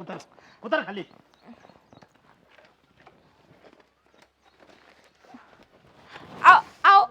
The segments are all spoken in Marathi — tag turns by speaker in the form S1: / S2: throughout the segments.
S1: उतर उतर खाली.
S2: आव आव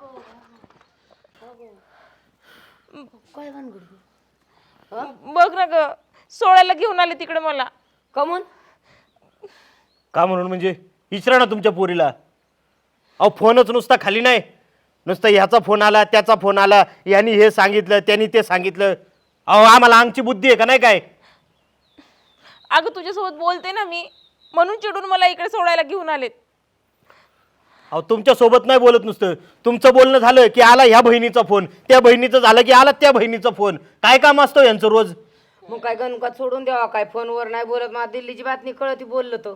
S3: काय भानगड
S2: बघ ना ग, सोडायला घेऊन आले तिकडे मला.
S3: कमून
S1: का म्हणून म्हणजे विचारा ना तुमच्या पोरीला. अहो फोनच नुसता खाली नाही, नुसतं ह्याचा फोन आला त्याचा फोन आला, यांनी हे सांगितलं त्यांनी ते सांगितलं. अहो आम्हाला अंगची बुद्धी आहे का नाही काय?
S2: अगं तुझ्यासोबत बोलते ना मी, म्हणून चिडून मला इकडे सोडायला घेऊन आलेत.
S1: अहो तुमच्या सोबत नाही बोलत, नुसतं तुमचं बोलणं झालं की आला ह्या बहिणीचा फोन, त्या बहिणीचं झालं की आला त्या बहिणीचा फोन. काय काम असतं यांचं रोज?
S3: मग काय गणकात सोडून द्यावा काय? फोनवर नाही बोलत, मला दिल्लीची बातमी कळती बोललं तर.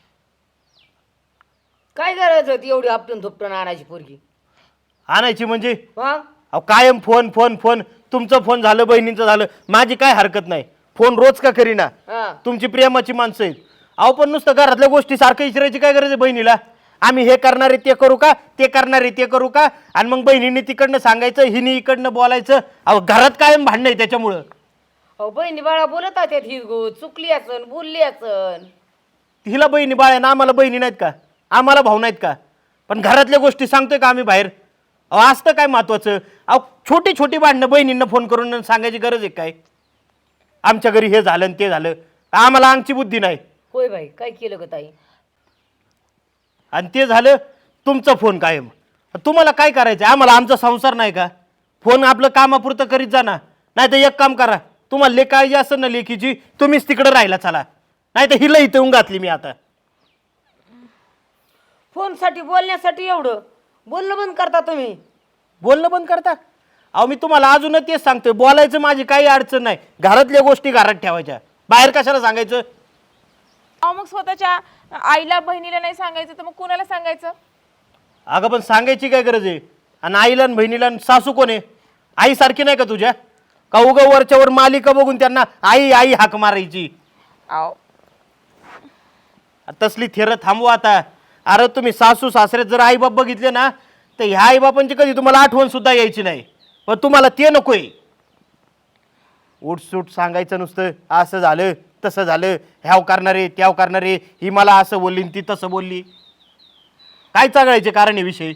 S3: काय गरज होती एवढी आपटून धुपटून आणायची पोरगी?
S1: आणायची म्हणजे?
S3: मग
S1: अहो कायम फोन फोन फोन. तुमचं फोन झालं बहिणीचं झालं, माझी काय हरकत नाही. फोन रोज का करीना,
S3: हा
S1: तुमची प्रेमाची माणसं आहेत. अहो पण नुसतं घरातल्या गोष्टी सारखं विचारायची काय गरज आहे बहिणीला? आम्ही हे करणारे ते करू का, ते करणारे ते करू का? आणि मग बहिणीने तिकडनं सांगायचं, हिने इकडनं बोलायचं. अहो घरात कायम भांडणं आहे त्याच्यामुळं.
S3: अहो बहिणी बाळा बोलत आहेत ही चुकली असन बोलली असन.
S1: हिला बहिणी बाळ आहे ना, आम्हाला बहिणी नाहीत का? आम्हाला भाऊ नाहीत का? पण घरातल्या गोष्टी सांगतोय का आम्ही बाहेर? अहो असतं काय महत्वाचं? अहो छोटी छोटी भांडणं बहिणींना फोन करून सांगायची गरज आहे काय? आमच्या घरी हे झालं आणि ते झालं, आम्हाला अंगची बुद्धी नाही.
S3: होय बाई काय केलं ग ताई?
S1: आणि ते झालं तुमचा फोन कायम. तुम्हाला काय करायचं? आम्हाला आमचा संसार नाही का? फोन आपलं कामापुरतं करीत जा ना. नाही तर एक काम करा, तुम्हाला लेक काळजी असेल ना लेकीची, तुम्हीच तिकडे राहिला चला. नाही तर हिला इथं येऊन घातली मी आता.
S3: फोन साठी बोलण्यासाठी एवढं बोलणं बंद करता तुम्ही?
S1: बोलणं बंद करता? अहो मी तुम्हाला अजूनच तेच सांगतोय, बोलायचं माझी काही अडचण नाही. घरातल्या गोष्टी घरात ठेवायच्या, बाहेर कशाला सांगायचं?
S2: अहो मग स्वतःच्या आईला बहिणीला नाही सांगायचं तर मग कुणाला सांगायचं?
S1: अगं पण सांगायची काय गरज आहे? आणि आईला आणि बहिणीला आणि सासू कोण आहे? आई सारखी नाही का तुझ्या? का उगा वरच्यावर मालिका बघून त्यांना आई आई हाक मारायची?
S2: अहो
S1: तसली थेरं थांबवा आता. अरे तुम्ही सासू सासरे जर आईबाप बघितले ना, तर ह्या आईबापांची कधी तुम्हाला आठवण सुद्धा यायची नाही. पण तुम्हाला ते नकोय. उठसूट सांगायचं नुसतं, असं झालं तसं झालं, ह्याव करणारे त्याव करणारे, ही मला असं बोलली ती तसं बोलली. काय चागळायचे कारण आहे विषय?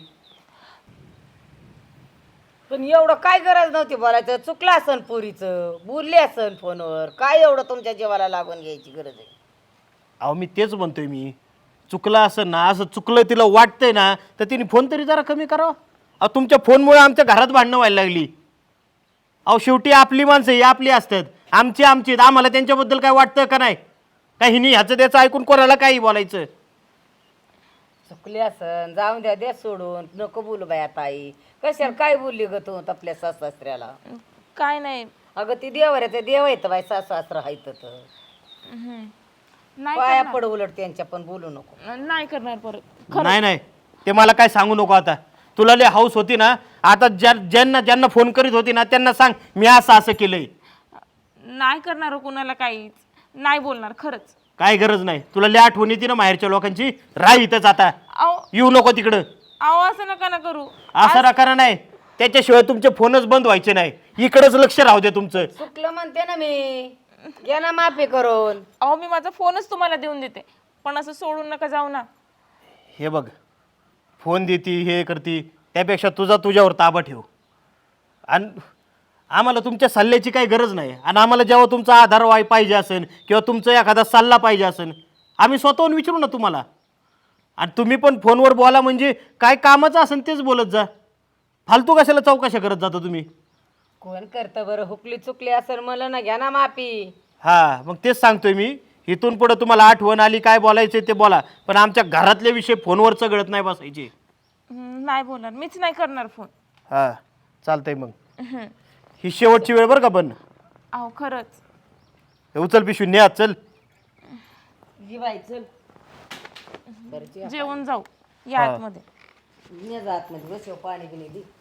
S3: पण एवढं काय गरज नव्हती बोलायचं. चुकलं असन पोरीचं, बोलली असन फोनवर, काय एवढं तुमच्या जीवाला लागून घ्यायची गरज आहे?
S1: अहो मी तेच म्हणतोय, मी चुकलं असं ना, असं चुकलं तिला वाटतंय ना, तर तिने फोन तरी जरा कमी करावा. अहो तुमच्या फोनमुळे आमच्या घरात भांडणं व्हायला लागली. अहो शेवटी आपली माणसं ही आपली असतात, आमची आमची. आम्हाला त्यांच्याबद्दल काय वाटतं का नाही? काय हिनी ह्याचं त्याचं ऐकून कोणाला काही बोलायचं?
S3: चुकली असन जाऊन द्या, द्या सोडून. नको बोलू बाई आता आई. कशाला काय बोलली ग तू आपल्या सासऱ्याला?
S2: काय नाही.
S3: अगं ती देवाऱ्याचं देव येतं बाई, सासरा हायत तर
S2: नाही
S3: पाया
S2: करणार.
S3: पड, उलट त्यांच्या पण बोलू नको.
S2: नाही करणार परत.
S1: नाही नाही, ते मला काय सांगू नको आता. तुला लय हाऊस होती ना, आता ज्यांना ज्यांना फोन करीत होती ना त्यांना सांग मी असं असं केलंय.
S2: नाही करणार हो कुणाला काहीच. नाही बोलणार खरंच.
S1: काय गरज नाही. तुला लय आठवण येते ना माहेरच्या लोकांची, राह इथंच आता.
S2: अहो
S1: येऊ नको तिकडं.
S2: अहो असं नका ना करू.
S1: असं राखा नाही, त्याच्याशिवाय तुमचे फोनच बंद व्हायचे नाही. इकडंच लक्ष राहू दे तुमचं.
S3: चुकलं म्हणते ना मी, घ्या ना माफी करून.
S2: अहो मी माझा फोनच तुम्हाला देऊन देते, पण असं सोडून नका जाऊ ना.
S1: हे बघ, फोन देती हे करती त्यापेक्षा तुझा तुझ्यावर ताबा ठेव. आणि आम्हाला तुमच्या सल्ल्याची काही गरज नाही. आणि आम्हाला जेव्हा तुमचा आधार पाहिजे असेल किंवा तुमचा एखादा सल्ला पाहिजे असेल, आम्ही स्वतःहून विचारू ना तुम्हाला. आणि तुम्ही पण फोनवर बोला म्हणजे काय कामाचं असेल तेच बोलत जा. फालतू कशाला चौकशा करत जाता तुम्ही?
S3: कोण करतं बरं? हुकली चुकली असेल मला ना, घ्या ना माफी.
S1: हा मग तेच सांगतोय मी. इथून पुढे तुम्हाला आठवण आली काय बोलायचं ते बोला, पण आमच्या घरातले विषय फोनवर चघळत नाही बसायचे.
S2: नाही बोलणार, मीच नाही करणार फोन.
S1: हा चालतंय मग. ही शेवटची वेळ बरं का? पण
S2: अहो खरंच.
S1: उचल पिशवी ने चल.
S3: जी बाई चल बरं,
S2: जेवण जाऊ या आतमध्ये.
S3: जात मध्ये बस पाणी बिणी दे.